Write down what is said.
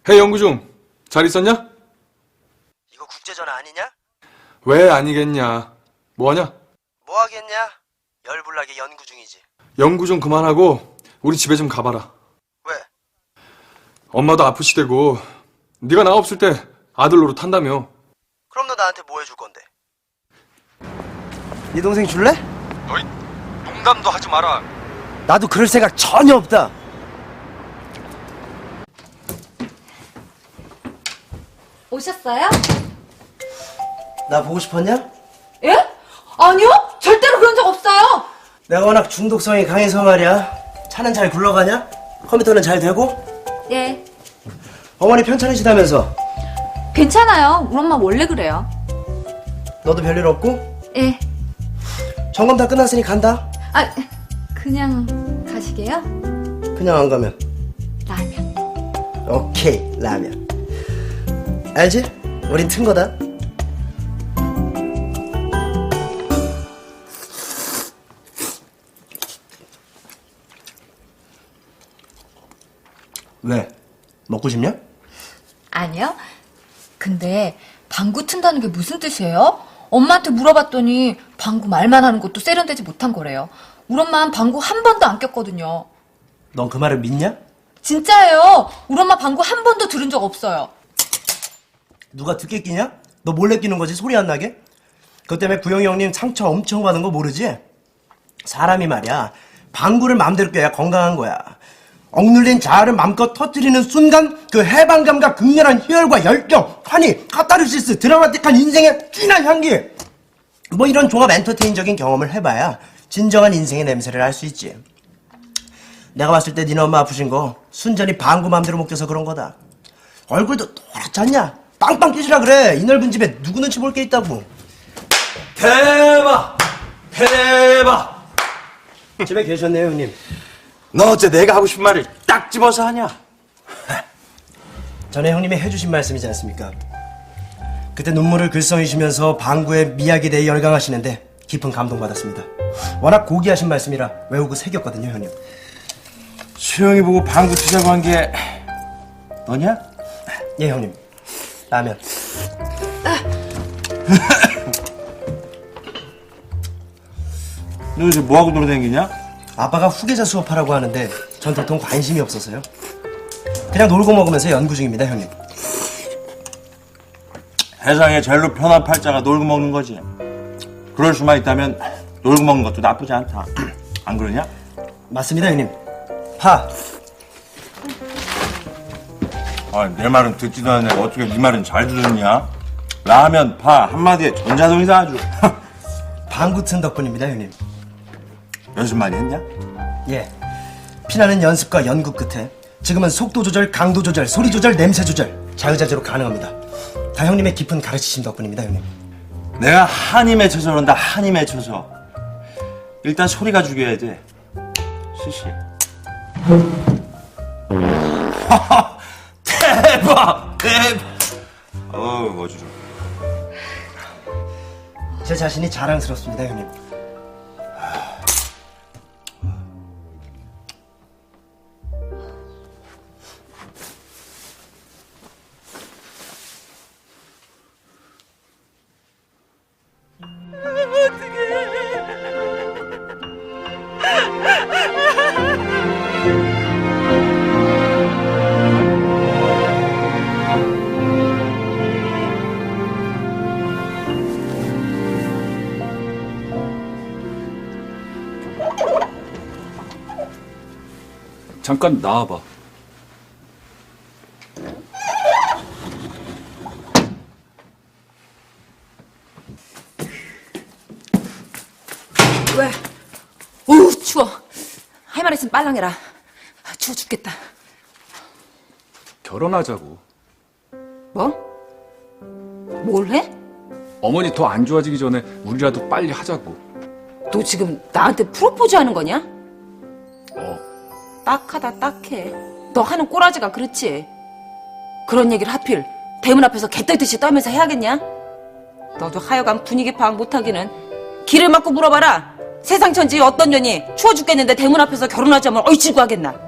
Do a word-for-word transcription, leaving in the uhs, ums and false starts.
헤이 영구중, 잘 있었냐? 이거 국제전화 아니냐? 왜 아니겠냐? 뭐하냐? 뭐 하겠냐? 열불나게 연구 중이지. 연구 좀 그만하고 우리 집에 좀 가봐라. 왜? 엄마도 아프시대고 네가 나 없을 때 아들 노릇 한다며. 그럼 너 나한테 뭐 해줄 건데? 네 동생 줄래? 너희 농담도 하지 마라. 나도 그럴 생각 전혀 없다. 오셨어요? 나 보고 싶었냐? 예? 아니요? 절대로 그런 적 없어요. 내가 워낙 중독성이 강해서 말이야. 차는 잘 굴러가냐? 컴퓨터는 잘 되고? 예. 어머니 편찮으시다면서? 괜찮아요. 우리 엄마 원래 그래요. 너도 별일 없고? 예. 점검 다 끝났으니 간다. 아, 그냥 가시게요? 그냥 안 가면? 라면. 오케이, 라면. 알지? 우린 튼 거다. 왜? 먹고 싶냐? 아니요. 근데 방구 튼다는 게 무슨 뜻이에요? 엄마한테 물어봤더니 방구 말만 하는 것도 세련되지 못한 거래요. 우리 엄마는 방구 한 번도 안 꼈거든요. 넌 그 말을 믿냐? 진짜예요. 우리 엄마 방구 한 번도 들은 적 없어요. 누가 듣게 끼냐? 너 몰래 끼는 거지, 소리 안 나게? 그것 때문에 구영이 형님 상처 엄청 받은 거 모르지? 사람이 말이야, 방구를 마음대로 껴야 건강한 거야. 억눌린 자아를 마음껏 터뜨리는 순간 그 해방감과 극렬한 희열과 열정, 환희, 카타르시스, 드라마틱한 인생의 진한 향기, 뭐 이런 종합 엔터테인적인 경험을 해봐야 진정한 인생의 냄새를 알 수 있지. 내가 봤을 때 니네 엄마 아프신 거 순전히 방구 마음대로 못 껴서 그런 거다. 얼굴도 노랗지 않냐? 빵빵 끼시라 그래. 이 넓은 집에 누구 눈치 볼 게 있다고. 대박! 대박! 집에 계셨네요, 형님. 너 어째 내가 하고 싶은 말을 딱 집어서 하냐? 전에 형님이 해주신 말씀이지 않습니까? 그때 눈물을 글썽이시면서 방구의 미학에 대해 열광하시는데 깊은 감동받았습니다. 워낙 고귀하신 말씀이라 외우고 새겼거든요, 형님. 수영이 보고 방구 치자고 한 게 너냐? 예, 형님. 라면. 너 요새 뭐하고 돌아다니냐? 아빠가 후계자 수업하라고 하는데 전 도통 관심이 없어서요. 그냥 놀고 먹으면서 연구 중입니다, 형님. 세상에 제일로 편한 팔자가 놀고 먹는 거지. 그럴 수만 있다면 놀고 먹는 것도 나쁘지 않다. 안 그러냐? 맞습니다, 형님. 파. 아, 내 말은 듣지도 않는 내가 어떻게 네 말은 잘 들었냐? 라면, 파 한마디에 전자동이다 아주. 방구 튼 덕분입니다, 형님. 연습 많이 했냐? 예. 피나는 연습과 연구 끝에 지금은 속도 조절, 강도 조절, 소리 조절, 냄새 조절 자유자재로 가능합니다. 다 형님의 깊은 가르치심 덕분입니다, 형님. 내가 한이 맺혀서 그런다. 한이 맺혀서. 일단 소리가 죽여야 돼. 시시. 대박! 대박! 어우, 멋지죠. 제 자신이 자랑스럽습니다, 형님. 잠깐 나와봐. 왜? 어우 추워. 할 말 있으면 빨랑해라. 추워 죽겠다. 결혼하자고. 뭐? 뭘 해? 어머니 더 안 좋아지기 전에 우리라도 빨리 하자고. 너 지금 나한테 프로포즈 하는 거냐? 어. 딱하다 딱해. 너 하는 꼬라지가 그렇지. 그런 얘기를 하필 대문 앞에서 개떨듯이 떨면서 해야겠냐? 너도 하여간 분위기 파악 못하기는 길을 막고 물어봐라. 세상 천지 어떤 년이 추워 죽겠는데 대문 앞에서 결혼하자면 얼씨구 하겠나?